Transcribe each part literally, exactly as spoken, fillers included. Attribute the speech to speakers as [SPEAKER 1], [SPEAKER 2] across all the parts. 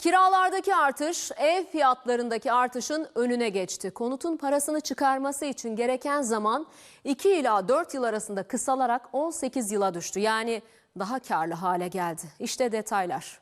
[SPEAKER 1] Kiralardaki artış ev fiyatlarındaki artışın önüne geçti. Konutun parasını çıkarması için gereken zaman iki ila dört yıl arasında kısalarak on sekiz yıla düştü. Yani daha karlı hale geldi. İşte detaylar.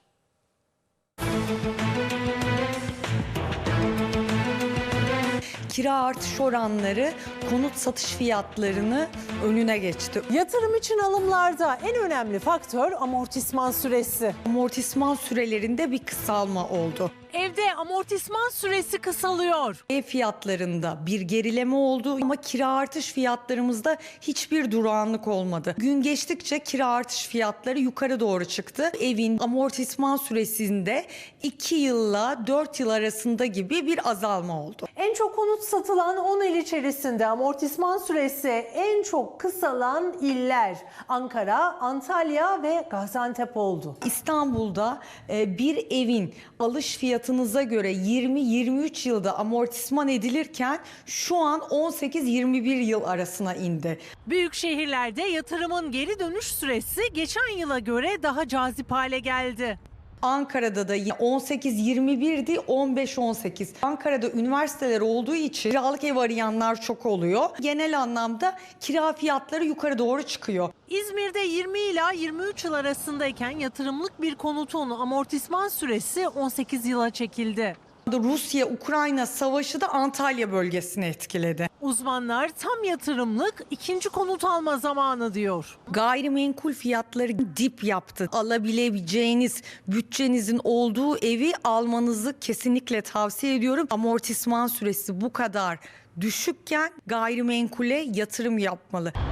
[SPEAKER 2] Kira artış oranları konut satış fiyatlarını önüne geçti.
[SPEAKER 3] Yatırım için alımlarda en önemli faktör amortisman süresi.
[SPEAKER 2] Amortisman sürelerinde bir kısalma oldu.
[SPEAKER 4] Evde amortisman süresi kısalıyor.
[SPEAKER 2] Ev fiyatlarında bir gerileme oldu ama kira artış fiyatlarımızda hiçbir durağanlık olmadı. Gün geçtikçe kira artış fiyatları yukarı doğru çıktı. Evin amortisman süresinde iki yılla dört yıl arasında gibi bir azalma oldu.
[SPEAKER 3] En çok konut satılan on il içerisinde amortisman süresi en çok kısalan iller Ankara, Antalya ve Gaziantep oldu.
[SPEAKER 2] İstanbul'da bir evin alış fiyatınıza göre yirmi yirmi üç yılda amortisman edilirken şu an on sekiz yirmi bir yıl arasına indi.
[SPEAKER 4] Büyük şehirlerde yatırımın geri dönüş süresi geçen yıla göre daha cazip hale geldi.
[SPEAKER 2] Ankara'da da on sekiz yirmi birdi, on beş on sekiz. Ankara'da üniversiteler olduğu için kiralık ev arayanlar çok oluyor. Genel anlamda kira fiyatları yukarı doğru çıkıyor.
[SPEAKER 4] İzmir'de yirmi ila yirmi üç yıl arasındayken yatırımlık bir konutun amortisman süresi on sekiz yıla çekildi.
[SPEAKER 2] Rusya-Ukrayna savaşı da Antalya bölgesini etkiledi.
[SPEAKER 4] Uzmanlar tam yatırımlık ikinci konut alma zamanı diyor.
[SPEAKER 2] Gayrimenkul fiyatları dip yaptı. Alabileceğiniz bütçenizin olduğu evi almanızı kesinlikle tavsiye ediyorum. Amortisman süresi bu kadar düşükken gayrimenkule yatırım yapmalı.